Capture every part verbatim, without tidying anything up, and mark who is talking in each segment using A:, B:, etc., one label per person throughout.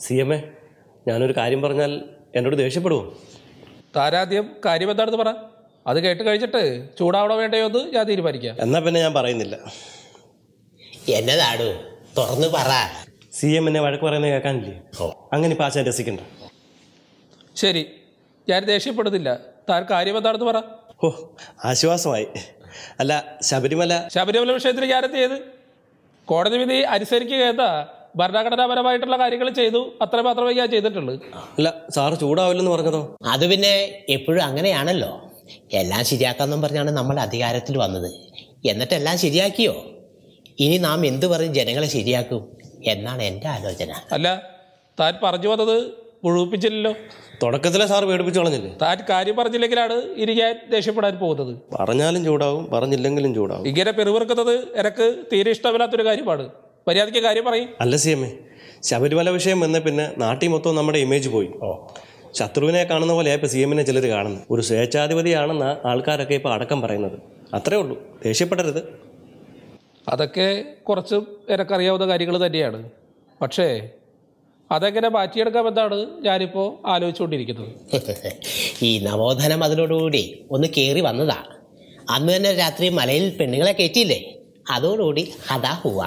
A: C M A, ഞാനൊരു കാര്യം പറഞ്ഞാൽ എന്നോട് ദേഷ്യപ്പെടുമോ?
B: താരാദ്യം കാര്യം എന്താണെന്ന് പറ. അത് കേട്ട് കഴിച്ചിട്ട് ചൂടാവണോ വേണ്ടയോ എന്ന് ഞാൻ തീരുമാനിക്കാം.
A: എന്നാ പിന്നെ ഞാൻ പറയുന്നില്ല.
C: എന്നതാടോ തുറന്നു പറ.
A: സി എം എന്നെ വഴക്ക് പറയുന്നത് കേൾക്കാനില്ലേ? അങ്ങനെ ഇപ്പം ആശാൻ രസിക്കണ്ട.
B: ശരി, ഞാൻ ദേഷ്യപ്പെടുന്നില്ല. താൻ കാര്യം എന്താണെന്ന് പറ.
A: ഓ, ആശ്വാസമായി. അല്ല, ശബരിമല
B: ശബരിമല വിഷയത്തിൽ ഞാനെന്ത് ചെയ്ത്? കോടതി വിധി അനുസരിക്കുക എന്താ ഭരണഘടനാപരമായിട്ടുള്ള കാര്യങ്ങൾ ചെയ്തു, അത്ര മാത്രമേ ഞാൻ ചെയ്തിട്ടുള്ളൂ.
A: അല്ല, സാറ് ചൂടാവില്ലെന്ന് പറഞ്ഞതോ?
C: അത് പിന്നെ എപ്പോഴും അങ്ങനെയാണല്ലോ. എല്ലാം ശരിയാക്കാന്നും പറഞ്ഞാണ് നമ്മൾ അധികാരത്തിൽ വന്നത്. എന്നിട്ടെല്ലാം ശരിയാക്കിയോ? ഇനി നാം എന്ത് പറഞ്ഞ് ജനങ്ങളെ ശരിയാക്കും എന്നാണ് എൻ്റെ ആലോചന.
B: അല്ല, താൻ പറഞ്ഞു വന്നത് മുഴുവിപ്പിച്ചില്ലല്ലോ.
A: തുടക്കത്തിലെ സാർ പേടിപ്പിച്ചു കളഞ്ഞില്ലേ?
B: താൻ കാര്യം പറഞ്ഞില്ലെങ്കിലാണ് ഇനി ഞാൻ ദേഷ്യപ്പെടാൻ പോകുന്നത്.
A: പറഞ്ഞാലും ചൂടാവും, പറഞ്ഞില്ലെങ്കിലും ചൂടാവും.
B: ഇങ്ങനെ പെരുവിറുക്കുന്നത് എനക്ക് തീരെ ഇഷ്ടമില്ലാത്തൊരു കാര്യമാണ്. മര്യാദയ്ക്ക് കാര്യം പറയും.
A: അല്ല സി എം എ, ശബരിമല വിഷയം വന്ന പിന്നെ നാട്ടിൽ മൊത്തം നമ്മുടെ ഇമേജ് പോയി. ശത്രുവിനെ കാണുന്ന പോലെ ഇപ്പം സി എമ്മിനെ ചിലർ കാണുന്നു. ഒരു സ്വേച്ഛാധിപതിയാണെന്ന ആൾക്കാരൊക്കെ ഇപ്പോൾ അടക്കം പറയുന്നത്. അത്രേ ഉള്ളൂ, ദേഷ്യപ്പെടരുത്.
B: അതൊക്കെ കുറച്ചും എനക്കറിയാവുന്ന കാര്യങ്ങൾ തന്നെയാണ്. പക്ഷേ അതെങ്ങനെ മാറ്റിയെടുക്കാമെന്നാണ് ഞാനിപ്പോൾ ആലോചിച്ചുകൊണ്ടിരിക്കുന്നത്.
C: ഈ നവോത്ഥാനം അതിനോടുകൂടി ഒന്ന് കയറി വന്നതാ. അന്ന് തന്നെ രാത്രി മലയിൽ പെണ്ണുങ്ങളെ കയറ്റിയില്ലേ, അതോടുകൂടി അതാ ഹുവ.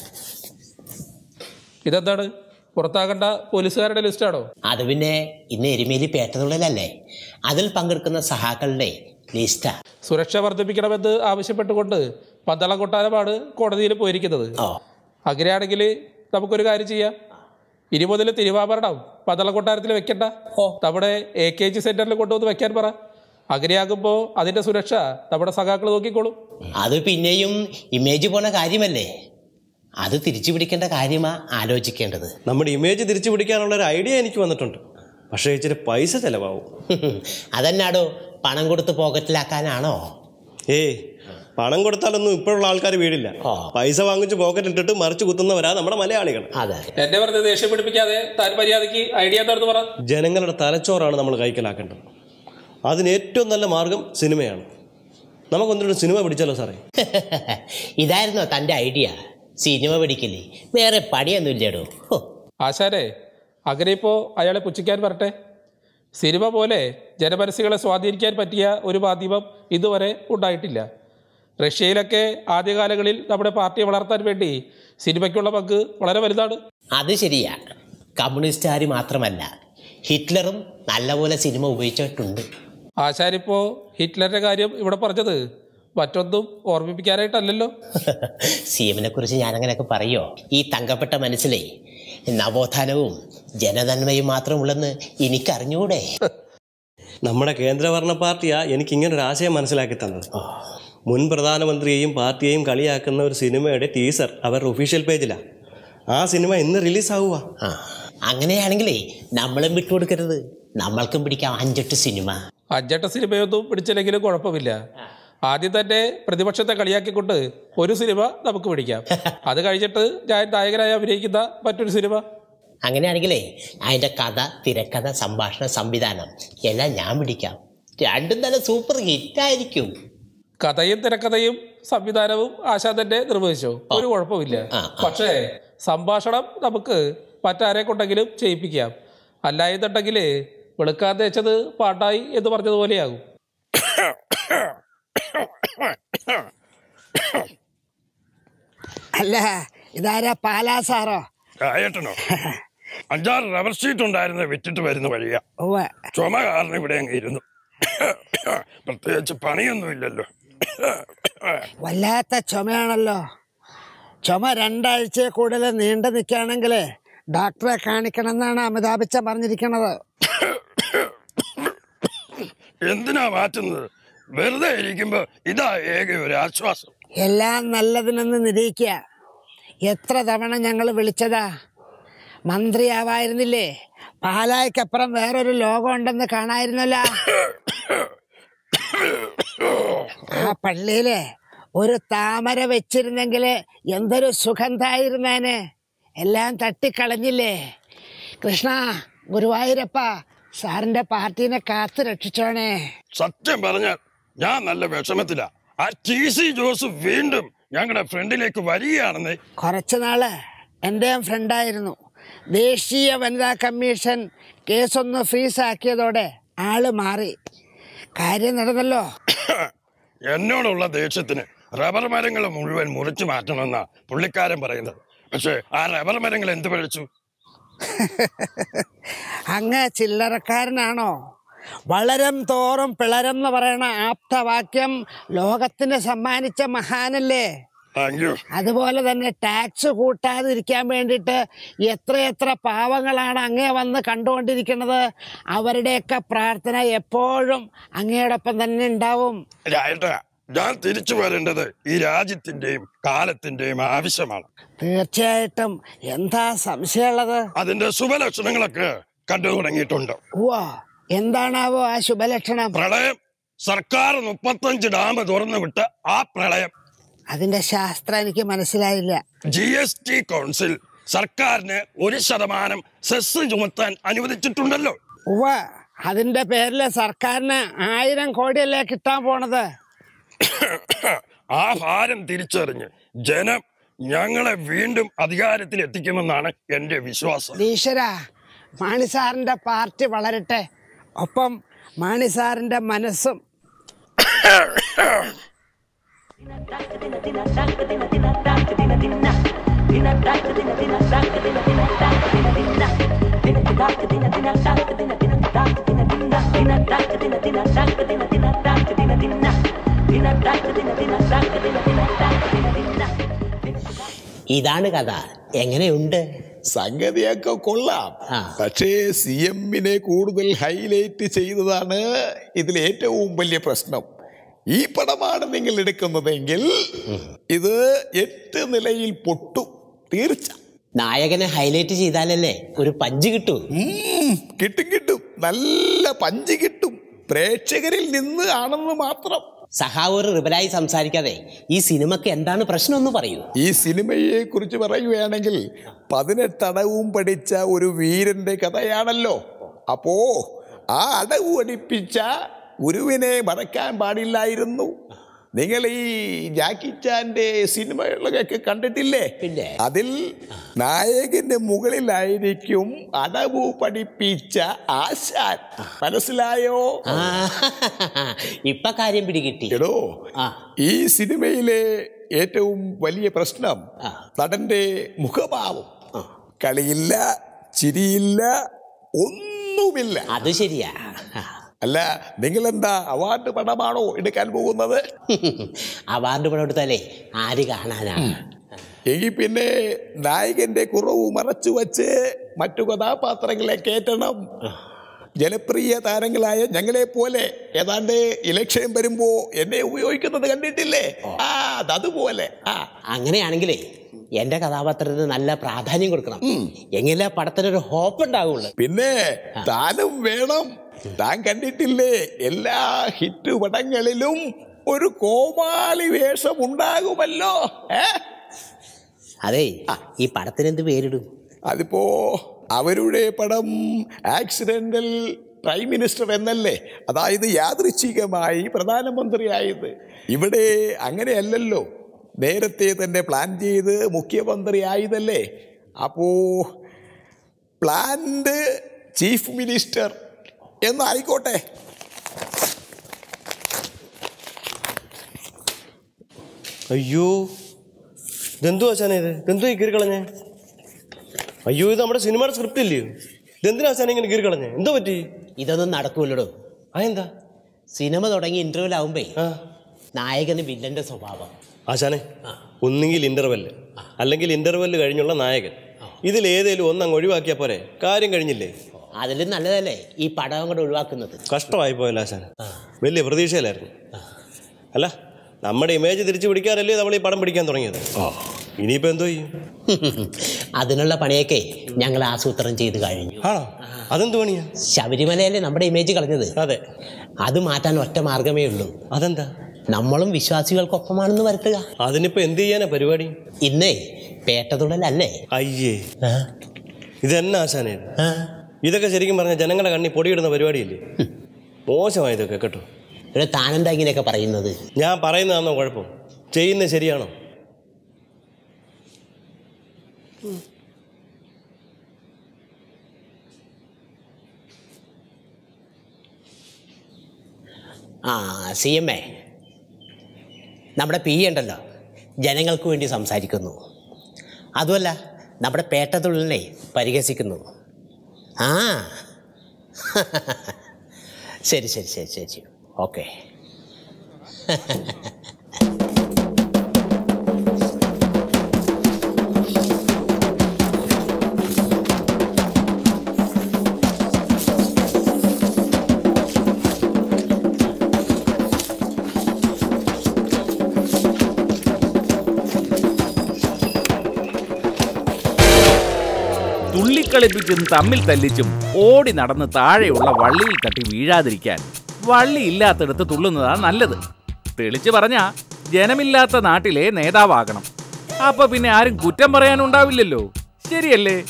B: ഇതെന്താണ്, പുറത്താകേണ്ട പോലീസുകാരുടെ ലിസ്റ്റാണോ?
C: അത് പിന്നെ ഇന്ന് എരുമേലി പേട്ടതുള്ളിലല്ലേ, അതിൽ പങ്കെടുക്കുന്ന സഹാക്കളുടെ ലിസ്റ്റാ.
B: സുരക്ഷ വർദ്ധിപ്പിക്കണമെന്ന് ആവശ്യപ്പെട്ടുകൊണ്ട് പന്തളം കൊട്ടാരമാണ് കോടതിയിൽ പോയിരിക്കുന്നത്. അങ്ങനെയാണെങ്കിൽ നമുക്കൊരു കാര്യം ചെയ്യാം. ഇനി മുതൽ തിരുവാഭരണം പന്തളം കൊട്ടാരത്തിൽ വെക്കണ്ട, നമ്മുടെ എ കെ ജി സെന്ററിൽ കൊണ്ടുവന്ന് വെക്കാൻ പറ. അങ്ങനെയാകുമ്പോൾ അതിന്റെ സുരക്ഷ നമ്മുടെ സഖാക്കൾ നോക്കിക്കോളും.
C: അത് പിന്നെയും ഇമേജ് പോണ കാര്യമല്ലേ, അത് തിരിച്ചു പിടിക്കേണ്ട കാര്യമാ ആലോചിക്കേണ്ടത്.
A: നമ്മുടെ ഇമേജ് തിരിച്ചു പിടിക്കാനുള്ള ഒരു ഐഡിയ എനിക്ക് വന്നിട്ടുണ്ട്. പക്ഷേ ഇച്ചിരി പൈസ ചെലവാകും.
C: അതെന്നാടോ, പണം കൊടുത്ത് പോക്കറ്റിലാക്കാനാണോ?
A: ഏയ്, പണം കൊടുത്താലൊന്നും ഇപ്പോഴുള്ള ആൾക്കാർ വീടില്ല. പൈസ വാങ്ങിച്ച് പോക്കറ്റ് ഇട്ടിട്ട് മറിച്ച് കുത്തുന്നവരാ നമ്മുടെ മലയാളികൾ.
C: അതെ,
B: എന്നെ പറഞ്ഞ് ദേഷ്യം പിടിപ്പിക്കാതെ താൻ മര്യാദയ്ക്ക് ഐഡിയ എന്താണെന്ന് പറ.
A: ജനങ്ങളുടെ തലച്ചോറാണ് നമ്മൾ കൈക്കലാക്കേണ്ടത്. അതിന് ഏറ്റവും നല്ല മാർഗം സിനിമയാണ്. നമുക്കൊന്നിട്ട് സിനിമ പിടിച്ചാലോ സാറേ?
C: ഇതായിരുന്നോ തൻ്റെ ഐഡിയ? സിനിമ പിടിക്കില്ലേ, വേറെ പണിയൊന്നുമില്ലേടോ.
B: ആശാരെ, അങ്ങനെ ഇപ്പോൾ അയാളെ പുച്ഛിക്കാൻ വരട്ടെ. സിനിമ പോലെ ജനമനസ്സുകളെ സ്വാധീനിക്കാൻ പറ്റിയ ഒരു മാധ്യമം ഇതുവരെ ഉണ്ടായിട്ടില്ല. റഷ്യയിലൊക്കെ ആദ്യകാലങ്ങളിൽ നമ്മുടെ പാർട്ടിയെ വളർത്താൻ വേണ്ടി സിനിമയ്ക്കുള്ള പങ്ക് വളരെ വലുതാണ്.
C: അത് ശരിയാ. കമ്മ്യൂണിസ്റ്റുകാർ മാത്രമല്ല, ഹിറ്റ്ലറും നല്ലപോലെ സിനിമ ഉപയോഗിച്ചിട്ടുണ്ട്.
B: ആശാരിപ്പോൾ ഹിറ്റ്ലറിന്റെ കാര്യം ഇവിടെ പറഞ്ഞത് മറ്റൊന്നും ഓർമ്മിപ്പിക്കാനായിട്ടല്ലല്ലോ.
C: സി എമ്മിനെ കുറിച്ച് ഞാനങ്ങനെയൊക്കെ പറയോ? ഈ തങ്കപ്പെട്ട മനസ്സിലെ നവോത്ഥാനവും ജനനന്മയും മാത്രമുള്ളെന്ന് എനിക്കറിഞ്ഞൂടെ?
A: നമ്മുടെ കേന്ദ്രഭരണ പാർട്ടിയാ എനിക്ക് ഇങ്ങനൊരു ആശയം മനസ്സിലാക്കി തന്നത്. മുൻ പ്രധാനമന്ത്രിയെയും പാർട്ടിയെയും കളിയാക്കുന്ന ഒരു സിനിമയുടെ ടീസർ അവരുടെ ഒഫീഷ്യൽ പേജിലാണ്. ആ സിനിമ ഇന്ന് റിലീസാവുക.
C: ആ, അങ്ങനെയാണെങ്കിലേ നമ്മളും വിട്ടുകൊടുക്കരുത്. നമ്മൾക്കും പിടിക്കാം അഞ്ചെട്ട് സിനിമ.
B: അഞ്ചെട്ട് സിനിമയൊന്നും പിടിച്ചില്ലെങ്കിലും കുഴപ്പമില്ല. ആദ്യം തന്നെ പ്രതിപക്ഷത്തെ കളിയാക്കിക്കൊണ്ട് ഒരു സിനിമ നമുക്ക് പിടിക്കാം. അത് കഴിഞ്ഞിട്ട് ഞാൻ നായകനായി അഭിനയിക്കുന്ന മറ്റൊരു സിനിമ.
C: അങ്ങനെയാണെങ്കിലേ അതിൻ്റെ കഥ, തിരക്കഥ, സംഭാഷണ, സംവിധാനം എല്ലാം ഞാൻ പിടിക്കാം. രണ്ടും തന്നെ സൂപ്പർ ഹിറ്റായിരിക്കും.
B: കഥയും തിരക്കഥയും സംവിധാനവും ആശാൻ തന്നെ നിർവഹിച്ചോ, ഒരു കുഴപ്പമില്ല. പക്ഷേ സംഭാഷണം നമുക്ക് മറ്റാരെ കൊണ്ടെങ്കിലും ചെയ്യിപ്പിക്കാം. അല്ലായെന്നുണ്ടെങ്കിൽ വെളുക്കാൻ തേച്ചത് പാട്ടായി എന്ന് പറഞ്ഞതുപോലെയാകും.
D: അല്ല, ഇതാരാ പാലാ സാറോ?
E: ഏട്ടനോ? അഞ്ചാറ് റബ്ബർ ഷീറ്റ് ഉണ്ടായിരുന്നു, വിറ്റിട്ട് വരുന്ന വഴിയാ. ചുമ കാരണം ഇവിടെ അങ്ങ് ഇരുന്നു. പ്രത്യേകിച്ച് പണിയൊന്നുമില്ലല്ലോ.
D: വല്ലാത്ത ചുമയാണല്ലോ. ചുമ രണ്ടാഴ്ച കൂടുതൽ നീണ്ടു നിൽക്കുകയാണെങ്കിൽ ഡോക്ടറെ കാണിക്കണം എന്നാണ് അമിതാഭ് ബച്ചൻ പറഞ്ഞിരിക്കുന്നത്.
E: എന്തിനാ മാറ്റുന്നത്? വെറുതെ ഇരിക്കുമ്പോ ഇതാ ഏക ഒരു ആശ്വാസം.
D: എല്ലാം നല്ലതിനൊന്ന് നിരീക്കുക. എത്ര തവണ ഞങ്ങൾ വിളിച്ചതാ. മന്ത്രിയാവായിരുന്നില്ലേ? പാലായ്ക്കപ്പുറം വേറൊരു ലോകം ഉണ്ടെന്ന് കാണായിരുന്നല്ലോ. ആ പള്ളിയില് ഒരു താമര വെച്ചിരുന്നെങ്കിൽ എന്തൊരു സുഗന്ധായിരുന്നേനെ. എല്ലാം തട്ടിക്കളഞ്ഞില്ലേ. കൃഷ്ണ, ഗുരുവായൂരപ്പ, സാറിന്റെ പാർട്ടീനെ കാത്തു രക്ഷിച്ചോണേ.
E: സത്യം പറഞ്ഞാൽ ഞാൻ നല്ല വിഷമത്തിലാ. ആ ടി സി ജോസഫ് വീണ്ടും ഞങ്ങളുടെ ഫ്രണ്ടിലേക്ക് വരികയാണെന്ന്.
D: കുറച്ചു നാള് എന്റെയും ഫ്രണ്ടായിരുന്നു. ദേശീയ വനിതാ കമ്മീഷൻ കേസൊന്ന് ഫ്രീസാക്കിയതോടെ ആള് മാറി. കാര്യം നടന്നല്ലോ.
E: എന്നോടുള്ള ദേഷ്യത്തിന് റബ്ബർ മരങ്ങൾ മുഴുവൻ മുറിച്ചു മാറ്റണമെന്നാ പുള്ളിക്കാരൻ പറയുന്നത്. പക്ഷെ ആ റബ്ബർ മരങ്ങൾ എന്ത് പഴിച്ചു?
D: അങ്ങ് ചില്ലറക്കാരനാണോ? വളരം തോറും പിളരം എന്ന് പറയണ ആപ്തവാക്യം ലോകത്തിന് സമ്മാനിച്ച മഹാനല്ലേ? അതുപോലെ തന്നെ ടാക്സ് കൂട്ടാതിരിക്കാൻ വേണ്ടിയിട്ട് എത്രയെത്ര പാവങ്ങളാണ് അങ്ങേ വന്ന് കണ്ടുകൊണ്ടിരിക്കുന്നത്. അവരുടെയൊക്കെ പ്രാർത്ഥന എപ്പോഴും അങ്ങയോടൊപ്പം തന്നെ ഉണ്ടാവും.
E: ഞാൻ തിരിച്ചു വരേണ്ടത് ഈ രാജ്യത്തിന്റെയും കാലത്തിന്റെയും ആവശ്യമാണ്.
D: തീർച്ചയായിട്ടും. എന്താ സംശയമുള്ളത്?
E: അതിന്റെ ശുഭലക്ഷണങ്ങളൊക്കെ കണ്ടു തുടങ്ങിയിട്ടുണ്ട്.
D: ഓ, എന്താണാവോ ആ ശുഭലക്ഷണം?
E: പ്രളയം. സർക്കാർ മുപ്പത്തഞ്ച് ഡാം തുറന്നു വിട്ട ആ പ്രളയം.
D: അതിന്റെ ശാസ്ത്രം എനിക്ക് മനസ്സിലായില്ല.
E: ജി എസ് ടി കൗൺസിൽ സർക്കാരിന് ഒരു ശതമാനം സെസ് ചുമത്താൻ അനുവദിച്ചിട്ടുണ്ടല്ലോ.
D: ഉവ്വ, അതിന്റെ പേരില് സർക്കാരിന് ആയിരം കോടിയല്ലേ കിട്ടാൻ പോണത്.
E: ആ ഭാരം തിരിച്ചറിഞ്ഞ് ജനം ഞങ്ങളെ വീണ്ടും അധികാരത്തിൽ എത്തിക്കുമെന്നാണ് എന്റെ വിശ്വാസം.
D: ഈശ്വര, മാണി സാറിന്റെ പാർട്ടി വളരട്ടെ, ഒപ്പം മാണി സാറിന്റെ മനസ്സും.
C: ഇതാണ് കഥ. എങ്ങനെയുണ്ട്?
F: സംഗതിയൊക്കെ കൊള്ളാം. പക്ഷേ സി എമ്മിനെ കൂടുതൽ ഹൈലൈറ്റ് ചെയ്തതാണ് ഇതിൽ ഏറ്റവും വലിയ പ്രശ്നം. ഈ പടമാണ് നിങ്ങൾ എടുക്കുന്നതെങ്കിൽ ഇത് എട്ട് നിലയിൽ പൊട്ടും തീർച്ച.
C: നായകനെ ഹൈലൈറ്റ് ചെയ്താലല്ലേ ഒരു പഞ്ച് കിട്ടൂ.
F: കിട്ടും കിട്ടും, നല്ല പഞ്ച് കിട്ടും. പ്രേക്ഷകരിൽ നിന്ന് ആണെന്ന് മാത്രം.
C: സഹാവ് ഒരു റിബലായി സംസാരിക്കാതെ ഈ സിനിമക്ക് എന്താണ് പ്രശ്നം എന്ന് പറയൂ.
F: ഈ സിനിമയെ കുറിച്ച് പറയുകയാണെങ്കിൽ പതിനെട്ടടവും പഠിച്ച ഒരു വീരന്റെ കഥയാണല്ലോ. അപ്പോ ആ അടവ് പഠിപ്പിച്ച ഗുരുവിനെ മറക്കാൻ പാടില്ലായിരുന്നു. നിങ്ങൾ ഈ ജാക്കി ചാന്റെ സിനിമകളൊക്കെ കണ്ടിട്ടില്ലേ? അതിൽ നായകന്റെ മുകളിലായിരിക്കും അടവ് പഠിപ്പിച്ച ആശാൻ. മനസ്സിലായോ?
C: ഇപ്പൊ കാര്യം പിടികിട്ടി.
F: എടോ, ഈ സിനിമയിലെ ഏറ്റവും വലിയ പ്രശ്നം നടന്റെ മുഖഭാവം. കളിയില്ല, ചിരിയില്ല, ഒന്നുമില്ല.
C: അത് ശരിയാ.
F: അല്ല, നിങ്ങളെന്താ അവാർഡ് പടമാണോ എടുക്കാൻ പോകുന്നത്?
C: അവാർഡ് പടം എടുത്താലേ ആര് കാണാനാണ്?
F: എങ്കിൽ പിന്നെ നായകന്റെ കുറവ് മറച്ചു വച്ച് മറ്റു കഥാപാത്രങ്ങളെ കയറ്റണം. ജനപ്രിയ താരങ്ങളായ ഞങ്ങളെ പോലെ ഏതാണ്ട് ഇലക്ഷൻ വരുമ്പോ എന്നെ ഉപയോഗിക്കുന്നത് കണ്ടിട്ടില്ലേ? ആ, അതുപോലെ. ആ,
C: അങ്ങനെയാണെങ്കിലേ എന്റെ കഥാപാത്രത്തിന് നല്ല പ്രാധാന്യം കൊടുക്കണം. എങ്കിലേ പടത്തിനൊരു ഹോപ്പ് ഉണ്ടാവുള്ളൂ.
F: പിന്നെ താനും വേണം. താൻ കണ്ടിട്ടില്ലേ, എല്ലാ ഹിറ്റ് പടങ്ങളിലും ഒരു കോമാളി വേഷം ഉണ്ടാകുമല്ലോ.
C: അതെ, ഈ പടത്തിന് എന്ത് പേരിടും?
F: അതിപ്പോ അവരുടെ പടം ആക്സിഡന്റൽ പ്രൈം മിനിസ്റ്റർ എന്നല്ലേ, അതായത് യാദൃച്ഛികമായി പ്രധാനമന്ത്രിയായത്. ഇവിടെ അങ്ങനെയല്ലല്ലോ, നേരത്തെ തന്നെ പ്ലാൻ ചെയ്ത് മുഖ്യമന്ത്രി ആയതല്ലേ. അപ്പോ പ്ലാൻഡ് ചീഫ് മിനിസ്റ്റർ എന്നായിക്കോട്ടെ.
A: അയ്യോ, ഇതെന്തോ ആശാനെ ഇത്? ഇതെന്തോ ഈ കീറിക്കളഞ്ഞേ? അയ്യോ, ഇത് നമ്മുടെ സിനിമയുടെ സ്ക്രിപ്റ്റ് ഇല്ലയോ? ഇതെന്തിനാ ആശാനെ ഇങ്ങനെ കീറിക്കളഞ്ഞേ? എന്തോ പറ്റി?
C: ഇതൊന്നും നടക്കൂല്ലടോ.
A: അതെന്താ?
C: സിനിമ തുടങ്ങി ഇന്റർവെൽ ആവുമ്പേ നായകന് വില്ലന്റെ സ്വഭാവം.
A: ആശാനെ, ഒന്നുകിൽ ഇന്റർവെല് അല്ലെങ്കിൽ ഇന്റർവെല് കഴിഞ്ഞുള്ള നായകൻ. ഇതിലേതേലും ഒന്നങ്ങ് ഒഴിവാക്കിയാ പോരെ, കാര്യം കഴിഞ്ഞില്ലേ?
C: അതിലും നല്ലതല്ലേ ഈ പടം കൂടെ ഒഴിവാക്കുന്നത്.
A: കഷ്ടമായി പോയല്ലോ ആശാൻ, വലിയ പ്രതീക്ഷയിലായിരുന്നു. അല്ല, നമ്മുടെ ഇമേജ് തിരിച്ചു പിടിക്കാനല്ലേ നമ്മൾ ഈ പടം പിടിക്കാൻ തുടങ്ങിയത്. ഇനിയിപ്പോ എന്തോ ചെയ്യും?
C: അതിനുള്ള പണിയൊക്കെ ഞങ്ങൾ ആസൂത്രണം ചെയ്ത് കഴിഞ്ഞു.
A: ആണോ? അതെന്ത് പണിയാ?
C: ശബരിമലയല്ലേ നമ്മുടെ ഇമേജ് കളഞ്ഞത്.
A: അതെ,
C: അത് മാറ്റാൻ ഒറ്റ മാർഗമേ ഉള്ളൂ.
A: അതെന്താ?
C: നമ്മളും വിശ്വാസികൾക്കൊപ്പമാണെന്ന് വരുത്തുക.
A: അതിനിപ്പോ എന്ത് ചെയ്യാനാ പരിപാടി?
C: ഇന്നേ പേട്ടതുള്ളലല്ലേ?
A: അയ്യേ, ഇതെന്നാ ആശാനെ? ഇതൊക്കെ ശരിക്കും പറഞ്ഞ ജനങ്ങളുടെ കണ്ണി പൊടിയിടുന്ന പരിപാടിയില്ലേ? മോശമായതൊക്കെ കേട്ടോ.
C: ഒരു താനെന്താ ഇങ്ങനെയൊക്കെ പറയുന്നത്?
A: ഞാൻ പറയുന്നതാണോ കുഴപ്പം? ചെയ്യുന്നത് ശരിയാണോ?
C: ആ സി എം എ നമ്മുടെ പി ഉണ്ടല്ലോ ജനങ്ങൾക്ക് വേണ്ടി സംസാരിക്കുന്നു. അതുമല്ല നമ്മുടെ പേട്ടത്തൊഴിലിനെ പരിഹസിക്കുന്നു. ആ ശരി ശരി ശരി ശരി ശരി ഓക്കെ.
G: തുള്ളിക്കളിപ്പിച്ചും തമ്മിൽ തല്ലിച്ചും ഓടി നടന്ന് താഴെയുള്ള വള്ളിയിൽ തട്ടി വീഴാതിരിക്കാൻ വള്ളി ഇല്ലാത്തടത്ത് തുള്ളുന്നതാണ് നല്ലത്. തെളിച്ചു പറഞ്ഞാ ജനമില്ലാത്ത നാട്ടിലെ നേതാവാകണം. അപ്പൊ പിന്നെ ആരും കുറ്റം പറയാനുണ്ടാവില്ലല്ലോ. ശരിയല്ലേ?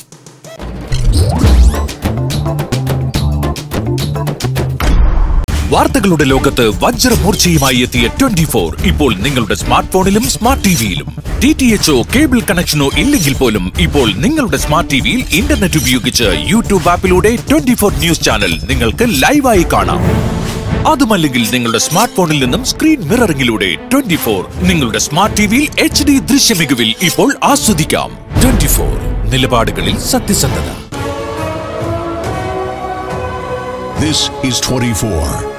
H: വാർത്തകളുടെ ലോകത്ത് വജ്രമൂർച്ചയുമായി എത്തിയ ട്വന്റി ഫോർ ഇപ്പോൾ നിങ്ങളുടെ സ്മാർട്ട് ഫോണിലും സ്മാർട്ട് ടിവിയിലും. ഡി ടി എച്ചോ കേബിൾ കണക്ഷനോ ഇല്ലെങ്കിൽ പോലും ഇപ്പോൾ നിങ്ങളുടെ സ്മാർട്ട് ടിവിയിൽ ഇന്റർനെറ്റ് ഉപയോഗിച്ച് യൂട്യൂബ് ആപ്പിലൂടെ ട്വന്റി ഫോർ ന്യൂസ് ചാനൽ നിങ്ങൾക്ക് ലൈവായി കാണാം. അതുമല്ലെങ്കിൽ നിങ്ങളുടെ സ്മാർട്ട് ഫോണിൽ നിന്നും സ്ക്രീൻ മിററിംഗിലൂടെ ട്വന്റി ഫോർ നിങ്ങളുടെ സ്മാർട്ട് ടിവിയിൽ എച്ച് ഡി ദൃശ്യമികവിൽ ഇപ്പോൾ ആസ്വദിക്കാം. ട്വന്റി ഫോർ നിലപാടുകളിൽ സത്യസന്ധത.
I: This is twenty-four.